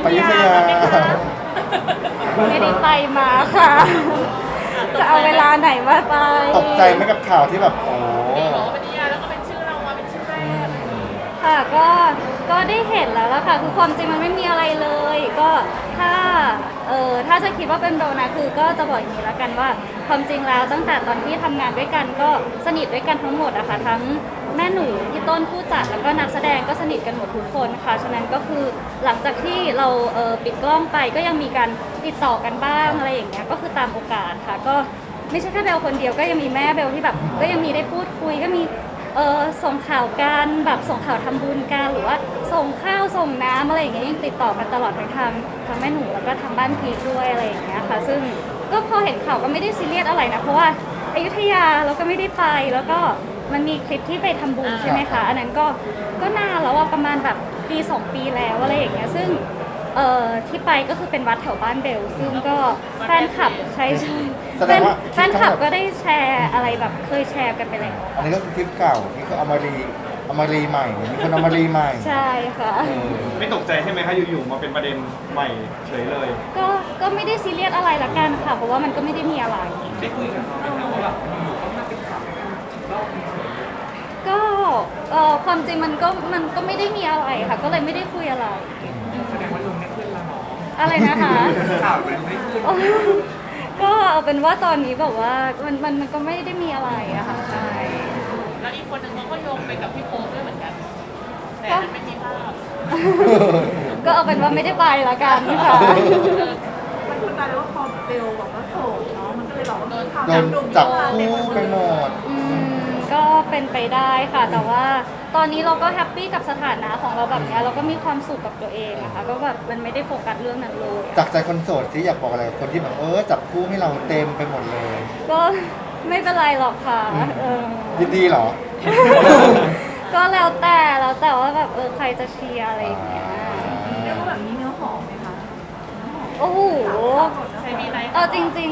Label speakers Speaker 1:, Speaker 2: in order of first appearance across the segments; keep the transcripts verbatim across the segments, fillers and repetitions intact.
Speaker 1: ไปอยุธยา
Speaker 2: ไม่ได้ไปมาค่ะ จะเอาเวลาไหนมาไป
Speaker 1: ตกใจไหมกับข่าวที่แบบโอ้
Speaker 3: บอกว่าเป็นนิยายแล้วก็เป็นชื่อเรามาเป็นชื่อแรก
Speaker 2: ค่ะก็ก็ได้เห็นแล้วล่ะค่ะคือความจริงมันไม่มีอะไรเลย ก็ถ้าเออถ้าจะคิดว่าเป็นโดนะคือก็จะบอกอย่างนี้แล้วกันว่าความจริงแล้วตั้งแต่ตอนที่ทำงานด้วยกันก็สนิทด้วยกันทั้งหมดอะค่ะทั้งแม่หนูพี่ต้นผู้จัดแล้วก็นักแสดงก็สนิทกันหมดทุกคนค่ะฉะนั้นก็คือหลังจากที่เราเออปิดกล้องไปก็ยังมีการติดต่อกันบ้างอะไรอย่างเงี้ยก็คือตามโอกาสค่ะก็ไม่ใช่แค่เบลคนเดียวก็ยังมีแม่เบลที่แบบก็ยังมีได้พูดคุยก็มี เออส่งข่าวกันแบบส่งข่าวทำบุญกันหรือว่าส่งข้าวส่งน้ำอะไรอย่างเงี้ยยังติดต่อกันตลอดทั้งทางทางแม่หนูแล้วก็ทางบ้านพีคด้วยอะไรอย่างเงี้ยค่ะซึ่งก็พอเห็นข่าวก็ไม่ได้ซีเรียสอะไรนะเพราะว่าอยุธยาเราก็ไม่ได้ไปแล้วก็มันมีคลิปที่ไปทำบุญใช่ไหมคะอันนั้นก็ก็นานแล้วว่าประมาณแบบปีสองปีแล้วอะไรอย่างเงี้ยซึ่งเอ่อที่ไปก็คือเป็นวัดแถวบ้านเบลซึ่งก็แฟนคลับใช่ใช่
Speaker 1: แสดงว่า
Speaker 2: แฟนคลับก็ได้แชร์อะไรแบบเคยแชร์กันไปแล้ว
Speaker 1: อันนี้ก็คือคลิปเก่านี่ก็เอามารีเอามารีใหม่มีคนเอามารีใหม่
Speaker 2: ใช่ค่ะ
Speaker 1: เออ
Speaker 4: ไม่ตกใจใช่ไหมคะอยู่ๆมาเป็นประเด็นใหม่เฉยเลย
Speaker 2: ก็ก็ไม่ได้ซีเรียสอะไรละกันค่ะ เพราะว่ามันก็ไม่ได้มีอะไร
Speaker 4: ได้คุยกับเขาไหมคะว่าแบบอยู่ๆก็มาเป็นข่าว
Speaker 2: ก็เอ่อความจริงมันก็มันก็ไม่ได้มีอะไรค่ะ ก็เลยไม่ได้คุยอะไร
Speaker 4: แสดงว่าลงไม่ขึ้นละเนาะ
Speaker 2: อะไรนะคะ
Speaker 4: ข่าวมันไม่ขึ้น
Speaker 2: ก็เอาเป็นว่าตอนนี้แบบว่ามันมันมันก็ไม่ได้มีอะไรอะค่ะใช่
Speaker 3: แล้วอีกคนหนึ่งเขาก็โยงไปกับพี่โป๊ปด้วยเหมือนกัน แต่อันนั้นไม่มีภาพ
Speaker 2: ก็เอาเป็นว่าไม่ได้ไปละกันค่ะ
Speaker 5: มันคือกลายเป็นว่าพอเบลบอกว่าโสดเนาะมันก็เลยแบบว่าโดนข่าว
Speaker 1: โดน
Speaker 5: หนุ่ม
Speaker 1: จับ
Speaker 5: เต็ม
Speaker 1: คู่
Speaker 5: ไปหมด
Speaker 1: ไปหมด
Speaker 2: อืมก็เป็นไปได้ค่ะ แต่ว่าตอนนี้เราก็แฮปปี้กับสถานะของเราแบบเนี้ยเราก็มีความสุขกับตัวเองนะคะก็แบบมันไม่ได้โฟกัสเรื่องนั้นเลย
Speaker 1: จากใจคนโสดที่อยากบอกอะไรกับคนที่แบบเออจับคู่ให้เราเต็มไปหมดเลย
Speaker 2: ก็ไม่เป็นไรหรอกค่ะเออ
Speaker 1: ยินดีเหรอ
Speaker 2: ก็แล้วแต่แล้วแต่ว่าแบบเออใครจะเชียร์อะไรอย่างเงี้ย
Speaker 5: เรียกว่าแบบนี้เนื้อหอมไหมคะ
Speaker 2: โอ้โห
Speaker 3: ใช่มีไหม
Speaker 2: เอาจริง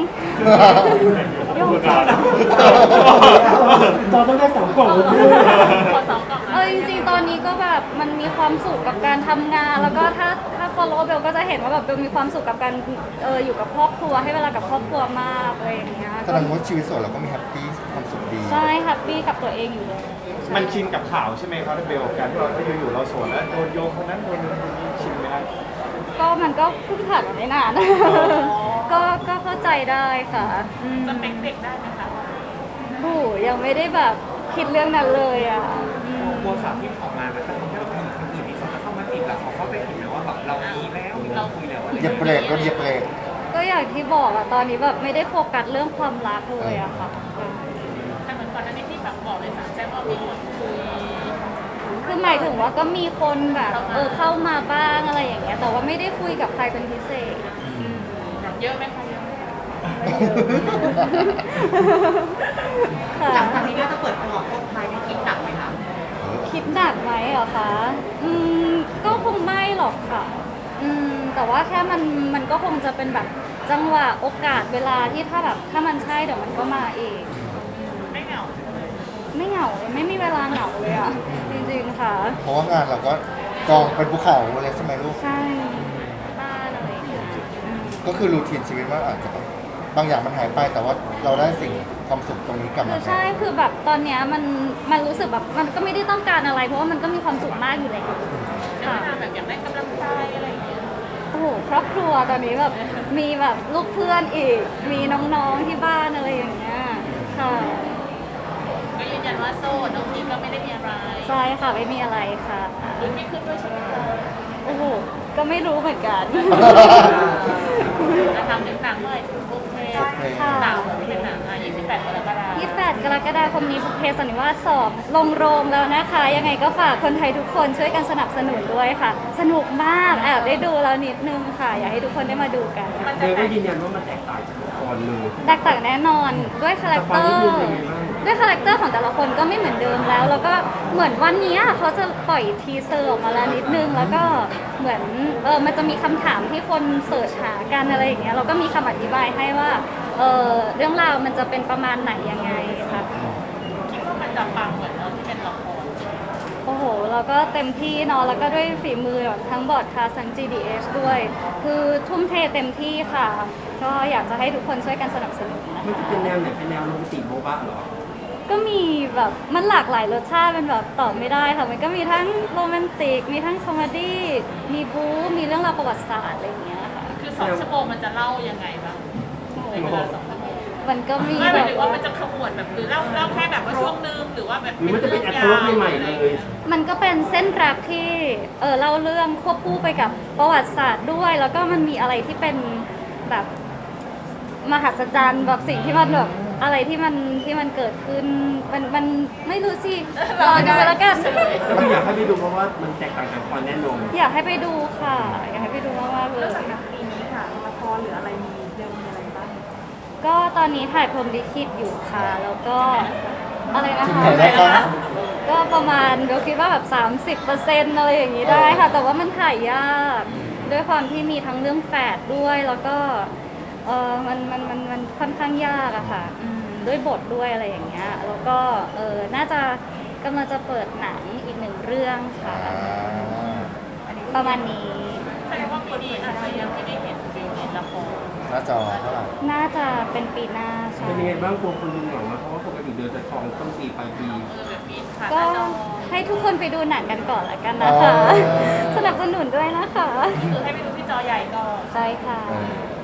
Speaker 6: จอต้องได้สองกล่องเลย
Speaker 3: ขอสองกล่อง
Speaker 2: ๆ
Speaker 3: นะ
Speaker 2: เอาจริงๆ ตอนนี้ก็แบบมันมีความสุขกับการทำงาน แล้วก็ถ้าถ้า follow เบลก็จะเห็นว่าแบบเบลมีความสุขกับการเอออยู่กับครอบครัวให้เวลากับครอบครัวมากอะไรอย่างเงี้ย
Speaker 1: แสดงว่าชีวิตโสดเราก็มีแฮปปี้ความสุขดี
Speaker 2: ใช่แฮปปี้กับตัวเองอยู่เลยใช่
Speaker 4: มันชินกับข่าวใช่ไหมครับเบลการที่เราอยู่ๆเราโสดแล้วโดนโยงคนนั้นโดนคนนี้ชินไหมครับ
Speaker 2: ก็มันก็เพิ่งผ่านมาไม่นาน ก็ก็เข้าใจได้ค่ะอืม
Speaker 3: สเปคเด็กได้ไหมคะ
Speaker 2: โอ้โหยังไม่ได้แบบคิดเรื่องนั้นเลยอ่ะอืม
Speaker 4: กลัวข่าวที่ออกมามันจะทำให้เรามีคนอื่นที่เขาจะเข้ามาติดแล้วเขาเข้าไปเห็นแล้วว่าแบบเรามีแล้วเราคุยแล้วอะไร
Speaker 1: เหยียบเบรกรถเหยียบเบรก
Speaker 2: ก็อย่างที่บอกอะตอนนี้แบบไม่ได้โฟกัสเรื่องความรักเลยอะค่ะ
Speaker 3: แต่เหมือนก่อนหน้านี้ที่แบบบอกเลยสารแจ้งว่ามีคนคุย
Speaker 2: คือหมายถึงว่าก็มีคนแบบเออเข้ามาบ้างอะไรอย่างเงี้ย แต่ว่าไม่ได้คุยกับใครเป็นพิเศษ
Speaker 3: เยอะไหมคะเยอะไหม
Speaker 2: ค่ะ
Speaker 5: หลังจากนี้ก็จะเปิดตัวคบใครในคิดหนักไหมคะ
Speaker 2: คิดหนักไหมเหรอคะ อืมก็คงไม่หรอกค่ะ อืมแต่ว่าแค่มันมันก็คงจะเป็นแบบจังหวะโอกาสเวลาที่ถ้าแบบถ้ามันใช่เดี๋ยวมันก็มาเอง
Speaker 3: ไม่เหงา
Speaker 2: ไม่เหงาเลยไม่มีเวลาเหงาเลยอะจริงๆค่ะ
Speaker 1: เพราะว่างานเราก็กองเป็นภูเขาเลยใช่ไหมลูก
Speaker 2: ใช่บ้านอะไรอย่างเงี้ยอืม
Speaker 1: ก็คือรูทีนชีวิตว่าอาจจะแบบบางอย่างมันหายไปแต่ว่าเราได้สิ่งความสุขตรงนี้กลับ
Speaker 2: คื
Speaker 1: มา
Speaker 2: อใช่คือแบบตอนเนี้ยมันมันรู้สึกแบบมันก็ไม่ได้ต้องการอะไร เพราะว่ามันก็มีความสุขมากอยู่แล้ว
Speaker 3: แล้ว
Speaker 2: ค่ะ
Speaker 3: เวลาแบบอยากได้กำลังใจอะไรอย่างเงี้ย
Speaker 2: โอ้โหครอบครัวตอนนี้แบบมีแบบลูกเพื่อนอีก มีน้องๆที่บ้านอะไรอย่างเงี้ยค่ะ
Speaker 3: ก็ยืนยันว่าโสดน้องพีก็ไม่ได้มีอะไร
Speaker 2: ใช่ค่ะไม่มีอะไรค่ะ
Speaker 3: รุ่นไม่ขึ้นด้วยใช่ไหมคะ
Speaker 2: โอ้โหก็ไม่รู้เหมือนกัน
Speaker 3: จะทำถึงหนังเลยโอเค
Speaker 1: โอเค
Speaker 2: ค่ะ
Speaker 3: หนังเป็นหนังอ่ะยี่สิบแปดกรกฎาคม
Speaker 2: ยี่สิบแปดกรกฎาคมนี้บุพเพสันนิวาสสองลงโรงแล้วนะคะ ยังไงก็ฝากคนไทยทุกคนช่วยกันสนับสนุนด้วยค่ะ สนุกมากแอบได้ดูแล้วนิดนึงค่ะ อยากให้ทุกคนได้มาดูกัน
Speaker 3: มัน
Speaker 6: เบ
Speaker 3: จะ
Speaker 6: ล
Speaker 3: แต
Speaker 6: ก็
Speaker 3: ก
Speaker 6: ยืนยันว่ามันแตกต่างจากละครเลย
Speaker 2: แตกต่างแน่นอนด้วยคาแรคเตอ
Speaker 6: สปอยนิด
Speaker 2: ร์
Speaker 6: นึงเป็นไงบ้าง
Speaker 2: ด้วยคาแรคเตอร์ของแต่ละคนก็ไม่เหมือนเดิมแล้ว แล้วก็เหมือนวันนี้เขาจะปล่อยทีเซอร์ออกมาแล้วนิดนึง แล้วก็เหมือนเออมันจะมีคำถามที่คนเสิร์ชหากันอะไรอย่างเงี้ยเราก็มีคำอธิบายให้ว่าเออเรื่องราวมันจะเป็นประมาณไหนยังไงค่ะ
Speaker 3: คิดว่ามันจะปังเหมือนเราที่เป็นละคร
Speaker 2: โอ้โหเราก็เต็มที่เนาะแล้วก็ด้วยฝีมือแบบทั้งบอร์ดคาสทั้ง จี ดี เอช ด้วย คือทุ่มเทเต็มที่ค่ะ ก็อยากจะให้ทุกคนช่วยกันสนับสนุนนะ
Speaker 6: มันจะ
Speaker 2: คะ
Speaker 6: เป็นแนวไหนเป็นแนวโรแมนติกโบ๊ะบ้าเหรอ
Speaker 2: ก็มีแบบมันหลากหลายรสชาติเป็นแบบตอบไม่ได้ค่ะ มันก็มีทั้งโรแมนติก มีทั้งคอมเมดี้มีบู๊มีเรื่องราวประวัติศาสตร์อะไรอย่างเงี้ยค่ะ
Speaker 3: คือสองชั่วโมงมันจะเล่ายังไงบ้างในเวลาสองชั่วโมง
Speaker 2: มันก็มี
Speaker 3: ไม่ห
Speaker 2: แบ
Speaker 3: มาย
Speaker 2: บ
Speaker 3: ถึงว่ามันจะขมวดแบบหรือเล่าเล่าแค่แบบว่าช่วงนึงหรือว่าแบบ
Speaker 6: หรือมันจะเป็นแอดโทรใหม่ๆเลย
Speaker 2: มันก็เป็นเส้นแรปที่เออเล่าเรื่องควบคู่ไปกับประวัติศาสตร์ด้วย แล้วก็มันมีอะไรที่เป็นแบบมหัศจรรย์แบบสิ่งที่มันแบบอะไรที่มันที่มันเกิดขึ้นมันมันไม่รู้สิรอดูไปแล้วกัน
Speaker 6: ก็คืออยากให้ไปดูเพราะว่ามันแตกต่างจากคอนแน่นอน
Speaker 2: อยากให้ไปดูค่ะ อยากให้ไปดูมากๆเล
Speaker 5: เรื่อง
Speaker 2: ย
Speaker 5: จากหนังปีนี้ค่ะละครหรืออะไรมีเร็วมีอะไรบ้าง
Speaker 2: ก็ตอนนี้ถ่ายพรหมลิขิตอยู่ค่ะ แล้วก็อะไรนะ
Speaker 1: ถึง
Speaker 2: คะ
Speaker 1: ไหนแล้วครับ
Speaker 2: ก็ประมาณเราคิดว่าแบบ สามสิบเปอร์เซ็นต์ อะไรอย่างนี้ได้ค่ะ แต่ว่ามันถ่ายยาก ด้วยความที่มีทั้งเรื่องแฝดด้วย แล้วก็เออมันมันมันมันค่อนข้างยากอะค่ะอืมด้วยบทด้วยอะไรอย่างเงี้ย แล้วก็เออน่าจะกำลังจะเปิดหนังอีกหนึ่งเรื่องค่ะ
Speaker 1: อ่า
Speaker 2: ประมาณนี้
Speaker 3: แสดงว่าปีนี้อาจจะยังไม่ได้เห็นฟิลในละคร
Speaker 1: หน้าจอเท่าไหร่
Speaker 2: น่าจะเป็นปีหน้าใช่
Speaker 6: เป็นยังไงบ้างกลัวคนดูเหงาไหมเพราะว่าปกติเดือนจะทองต้นปีปลายปี
Speaker 3: เออแบบปีผ่านห
Speaker 2: ก็
Speaker 3: น้าจอ
Speaker 2: ให้ทุกคนไปดูหนังกันก่อนละกันนะคะ
Speaker 1: อ๋อ
Speaker 2: สนับสนุนด้วยนะคะ
Speaker 3: คือให้ไปดูที่จอใหญ่ก่อน
Speaker 2: ใช่ค่ะ
Speaker 1: เออ